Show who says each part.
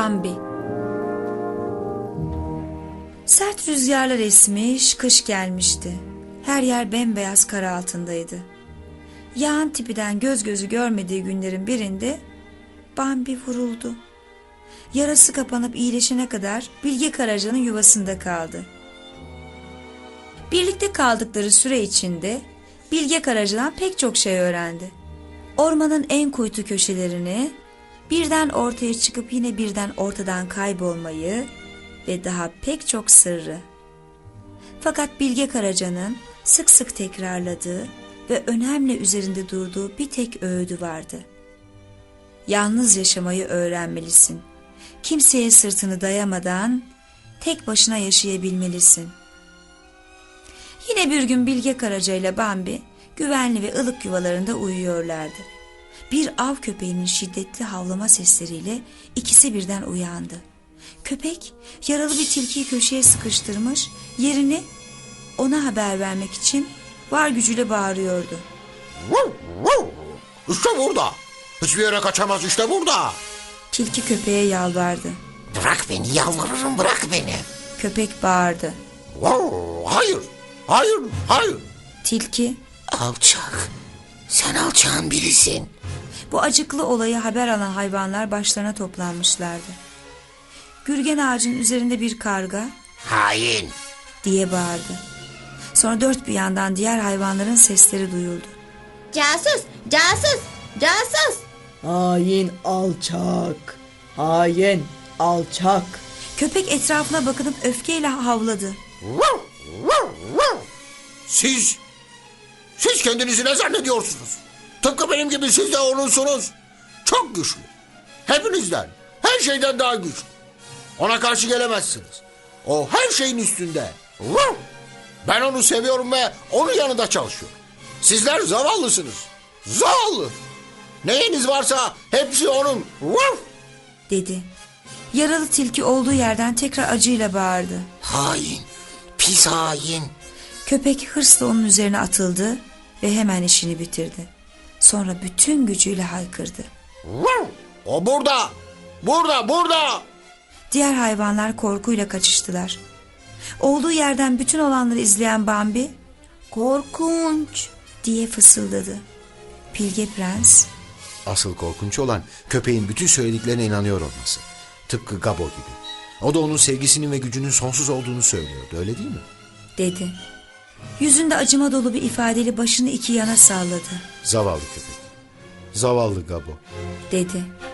Speaker 1: Bambi. Sert rüzgarlar esmiş, kış gelmişti. Her yer bembeyaz kar altındaydı. Yağan tipiden göz gözü görmediği günlerin birinde Bambi vuruldu. Yarası kapanıp iyileşene kadar Bilge Karaca'nın yuvasında kaldı. Birlikte kaldıkları süre içinde Bilge Karaca'dan pek çok şey öğrendi. Ormanın en kuytu köşelerini, birden ortaya çıkıp yine birden ortadan kaybolmayı ve daha pek çok sırrı. Fakat Bilge Karaca'nın sık sık tekrarladığı ve önemli üzerinde durduğu bir tek öğüdü vardı. Yalnız yaşamayı öğrenmelisin. Kimseye sırtını dayamadan tek başına yaşayabilmelisin. Yine bir gün Bilge Karaca ile Bambi güvenli ve ılık yuvalarında uyuyorlardı. Bir av köpeğinin şiddetli havlama sesleriyle ikisi birden uyandı. Köpek yaralı bir tilkiyi köşeye sıkıştırmış, yerini ona haber vermek için var gücüyle bağırıyordu.
Speaker 2: İşte burada. Hiçbir yere kaçamaz, işte burada.
Speaker 1: Tilki köpeğe yalvardı.
Speaker 2: Bırak beni, yalvarırım, bırak beni.
Speaker 1: Köpek bağırdı.
Speaker 2: Hayır, hayır, hayır.
Speaker 1: Tilki,
Speaker 2: Alçak. Sen alçağın birisin.
Speaker 1: bu acıklı olayı haber alan hayvanlar başlarına toplanmışlardı. Gürgen ağacın üzerinde bir karga
Speaker 2: Hain.
Speaker 1: diye bağırdı. Sonra dört bir yandan diğer hayvanların sesleri duyuldu.
Speaker 3: Casus, casus, casus.
Speaker 4: Hain alçak. Hain alçak.
Speaker 1: Köpek etrafına bakınıp öfkeyle havladı.
Speaker 2: Siz kendinizi ne zannediyorsunuz? Tıpkı benim gibi siz de onunsunuz. Çok güçlü. Hepinizden, her şeyden daha güçlü. Ona karşı gelemezsiniz. O her şeyin üstünde. Ben onu seviyorum ve onun yanında çalışıyorum. Sizler zavallısınız. Zavallı. Neyiniz varsa hepsi onun.
Speaker 1: Dedi. Yaralı tilki olduğu yerden tekrar acıyla bağırdı.
Speaker 2: Hain. Pis hain.
Speaker 1: Köpek hırsla onun üzerine atıldı ve hemen işini bitirdi. Sonra bütün gücüyle haykırdı.
Speaker 2: O burada. Burada.
Speaker 1: Diğer hayvanlar korkuyla kaçıştılar. Olduğu yerden bütün olanları izleyen Bambi, "Korkunç!" diye fısıldadı. Bilge Prens,
Speaker 5: Asıl korkunç olan köpeğin bütün söylediklerine inanıyor olması. Tıpkı Gabo gibi. O da onun sevgisinin ve gücünün sonsuz olduğunu söylüyordu, öyle değil mi?
Speaker 1: dedi. Yüzünde acıma dolu bir ifadeyle başını iki yana salladı.
Speaker 5: Zavallı köpek. Zavallı Gabo.
Speaker 1: Dedi.